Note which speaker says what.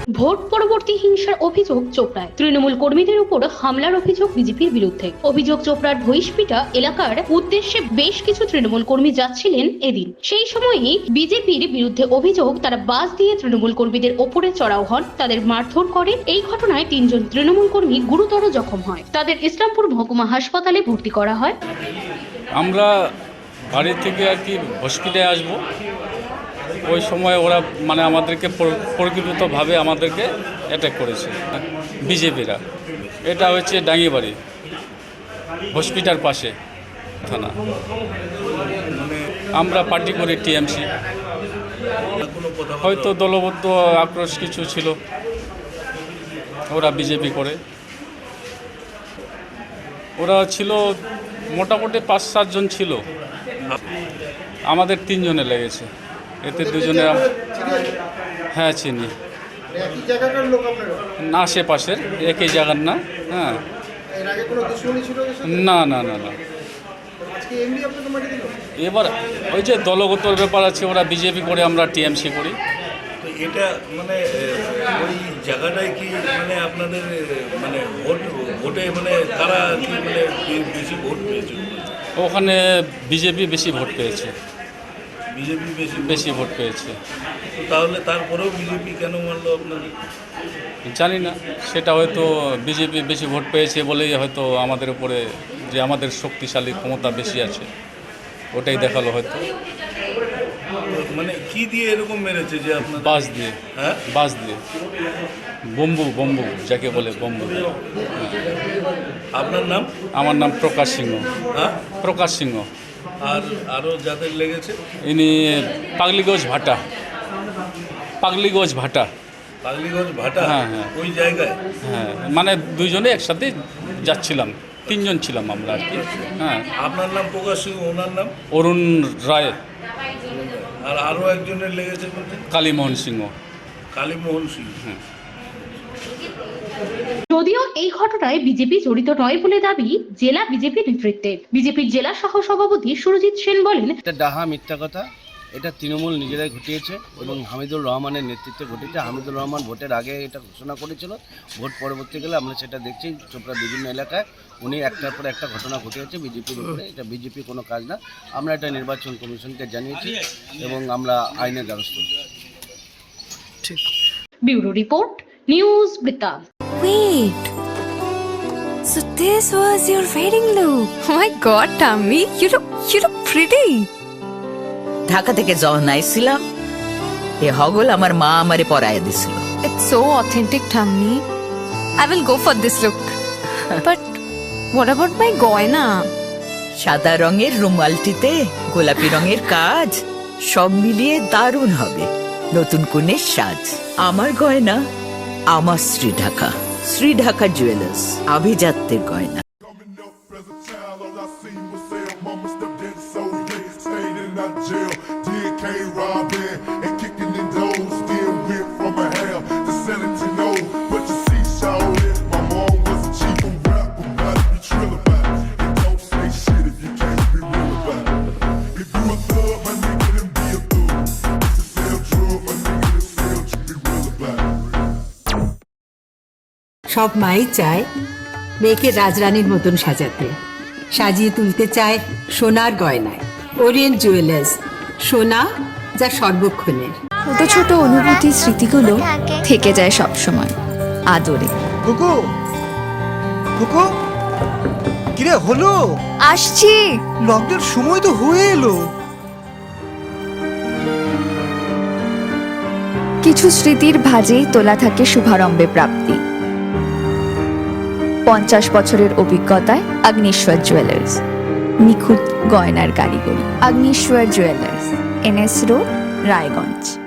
Speaker 1: Vote পরবর্তী হিংসার অভিযোগ চোপড়ায়। তৃণমূল কর্মীদের উপর হামলার অভিযোগ বিজেপির বিরুদ্ধে। অভিযোগ চোপড়ার ভৈসপিটা এলাকার উদ্দেশ্যে বেশ কিছু তৃণমূল কর্মী যাচ্ছিলেন এদিন। সেই সময়ই বিজেপির বিরুদ্ধে অভিযোগ তারা বাস দিয়ে তৃণমূল কর্মীদের ওপরে চড়াও হন, তাদের মারধর করে। এই ঘটনায় 3 জন তৃণমূল কর্মী গুরুতর জখম হয়। তাদের ইসলামপুর মহকুমা হাসপাতালে ভর্তি করা হয়।
Speaker 2: আমরা বাড়ি থেকে আর কি হসপিটালে আসবো, ওই সময় ওরা মানে আমাদেরকে পরিকল্পিতভাবে আমাদেরকে অ্যাটাক করেছে বিজেপিরা। এটা হচ্ছে ডাঙ্গিবাড়ি হসপিটাল পাশে থানা। আমরা পার্টি করি টিএমসি, হয়তো দলবদ্ধ আক্রোশ কিছু ছিল, ওরা বিজেপি করে। ওরা ছিল মোটামুটি 5-7 জন ছিল, আমাদের 3 জনে লেগেছে। এতে 2 জনে হ্যাঁ চিনি, না আশেপাশের একই জায়গার না। হ্যাঁ না না না না, এবার ওই যে দলগত ব্যাপার আছে, ওরা বিজেপি করে, আমরা টিএমসি করি।
Speaker 3: তো এটা মানে ওই জায়গাটায় কি মানে আপনাদের মানে ভোটে মানে তারা কি মানে বেশি ভোট পেয়েছে?
Speaker 2: ওখানে বিজেপি বেশি ভোট পেয়েছে।
Speaker 3: বিজেপি
Speaker 2: বেশি ভোট পেয়েছে।
Speaker 3: তো তাহলে তারপরেও বিজেপি কেন মানলো আপনাদের?
Speaker 2: জানি না, সেটা হয়তো বিজেপি বেশি ভোট পেয়েছে বলেই হয়তো আমাদের উপরে যে আমাদের শক্তিশালী ক্ষমতা বেশি আছে ওটাই দেখালো হয়তো।
Speaker 3: মানে কি দিয়ে এরকম মেরেছে যে আপনার?
Speaker 2: বাস দিয়ে।
Speaker 3: হ্যাঁ,
Speaker 2: বাস দিয়ে, বম্বু যাকে বলে বম্বু।
Speaker 3: আপনার নাম?
Speaker 2: আমার নাম প্রকাশ সিংহ।
Speaker 3: হ্যাঁ,
Speaker 2: প্রকাশ সিংহ।
Speaker 3: আর আরও যাদের লেগেছে?
Speaker 2: ইনি পাগলিগঞ্জ ভাটা। পাগলিগঞ্জ ভাটা।
Speaker 3: পাগলিগঞ্জ ভাটা?
Speaker 2: হ্যাঁ হ্যাঁ,
Speaker 3: ওই জায়গায়?
Speaker 2: হ্যাঁ, মানে 2 জনে একসাথে যাচ্ছিলাম, 3 জন ছিলাম আমরা আর কি। হ্যাঁ।
Speaker 3: আপনার নাম প্রকাশ সিংহ, ওনার নাম?
Speaker 2: অরুণ রায়।
Speaker 3: আর আরও একজনের লেগেছে বলতে?
Speaker 2: কালীমোহন সিংহ।
Speaker 3: কালীমোহন সিংহ।
Speaker 1: যদিও এই ঘটনায় বিজেপি জড়িত নয় বলে দাবি জেলা বিজেপি নেতৃত্বের। বিজেপির জেলা সহ সভাপতি সুরজিৎ সেন বলেন,
Speaker 4: এটা ডাহা মিথ্যা কথা। এটা তৃণমূল নিজেরাই ঘটিয়েছে এবং হামিদুর রহমানের নেতৃত্বে ঘটেছে। হামিদুর রহমান ভোটের আগে এটা ঘোষণা করেছিল, ভোট পরবর্তীকালে আমরা সেটা দেখছি চোপড়া বিভিন্ন এলাকায় উনি একটার পর একটা ঘটনা ঘটিয়েছে বিজেপির উপরে। এটা বিজেপি কোনো কাজ না। আমরা এটা নির্বাচন কমিশনকে জানিয়েছি এবং আমরা আইনের দ্বারস্থ হচ্ছি।
Speaker 1: ঠিক। ব্যুরো রিপোর্ট, নিউজ বৃত্তান্ত।
Speaker 5: Wait. So this was your wedding look. Oh my god, Tammy, you look pretty.
Speaker 6: Dhaka থেকে যখন আইছিলাম এ হগল আমার মা আমারে পরাইয়া দিছিল।
Speaker 5: It's so authentic, Tammy. I will go for this look. But what about my goina?
Speaker 6: সাদা রঙের রুমালটিতে গোলাপি রঙের কাজ, সব মিলিয়ে দারুণ হবে নতুন কনের সাজ। আমার গয়না আমার শ্রী ঢাকা জুয়েলার্স, আভিজাত্যের গয়না।
Speaker 7: সব মাই চায় মেয়েকে রাজরানীর মতন সাজাতে, সাজিয়ে তুলতে চায় সোনার গয়নায়। ওরিয়েন্ট জুয়েলার্স, সোনা যা সর্বক্ষণের।
Speaker 5: ছোট ছোট অনুভূতি, স্মৃতিগুলো থেকে যায় সব সময় আদরে।
Speaker 8: কুকু কুকু, কিরে হলো?
Speaker 5: আসছি।
Speaker 8: লকডাউন সময় তো হয়ে এলো।
Speaker 5: কিছু স্মৃতির ভাজেই তোলা থাকে শুভারম্ভে প্রাপ্তি। 50 বছরের অভিজ্ঞতায় আগ্নেশ্বর জুয়েলার্স, নিখুঁত গয়নার কারিগরি। Agneshwar jewellers, NS road, Raiganj.